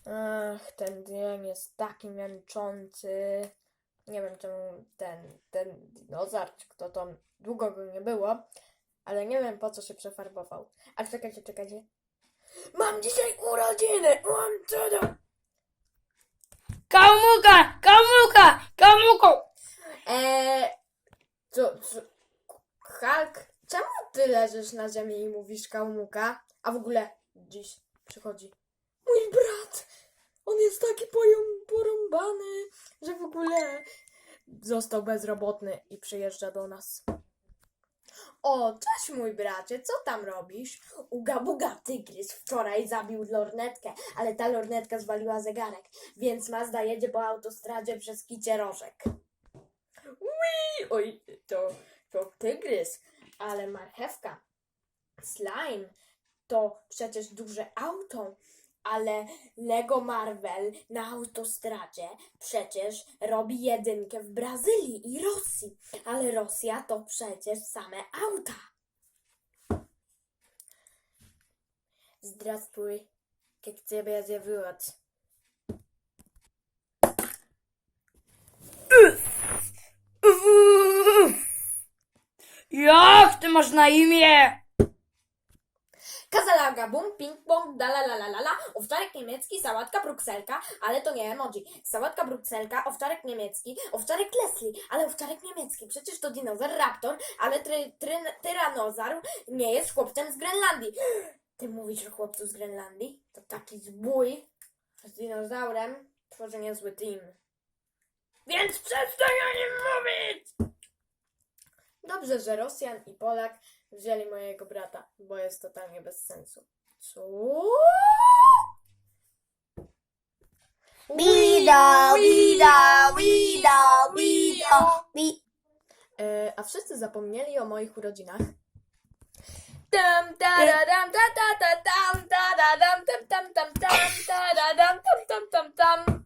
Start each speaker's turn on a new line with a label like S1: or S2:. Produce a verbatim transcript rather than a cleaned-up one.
S1: Ach, ten dzień jest taki męczący. Nie wiem czemu ten, ten dinozaur, czy kto to, długo go nie było, ale nie wiem po co się przefarbował. A czekajcie, czekajcie. Mam dzisiaj urodziny! Mam cudo!
S2: Kamuka! Kamuka! Kamuko!
S1: Eee, co, co, Hulk, czemu ty leżysz na ziemi i mówisz kałmuka? A w ogóle dziś przychodzi mój brat. On jest taki poją- porąbany, że w ogóle został bezrobotny i przyjeżdża do nas. O, cześć mój bracie, co tam robisz? Uga buga tygrys wczoraj zabił lornetkę, ale ta lornetka zwaliła zegarek, więc Mazda jedzie po autostradzie przez Kicie Rożek. Ui, oj, to, to tygrys, ale marchewka, slime, to przecież duże auto, ale Lego Marvel na autostradzie przecież robi jedynkę w Brazylii i Rosji, ale Rosja to przecież same auta. Здравствуй, как тебя зовут?
S2: Jak ty masz na imię?
S1: Kazalaga, bum, ping pong, dalalalala, owczarek niemiecki, sałatka brukselka, ale to nie emoji. Sałatka brukselka, owczarek niemiecki, owczarek Leslie, ale owczarek niemiecki. Przecież to dinozaur raptor, ale try, try, tyranozaur nie jest chłopcem z Grenlandii. Ty mówisz o chłopcu z Grenlandii? To taki zbój z dinozaurem tworzy niezły team. Więc przestań o nim mówić! Dobrze, że Rosjan i Polak wzięli mojego brata, bo jest totalnie bez sensu. Co?
S2: Wida, wida, wida, wida, wi.
S1: E, a wszyscy zapomnieli o moich urodzinach. Tam, taradam, ta, ta, ta, tam, taradam, tam, tam, tam, tam, taradam, tam, tam, tam, tam.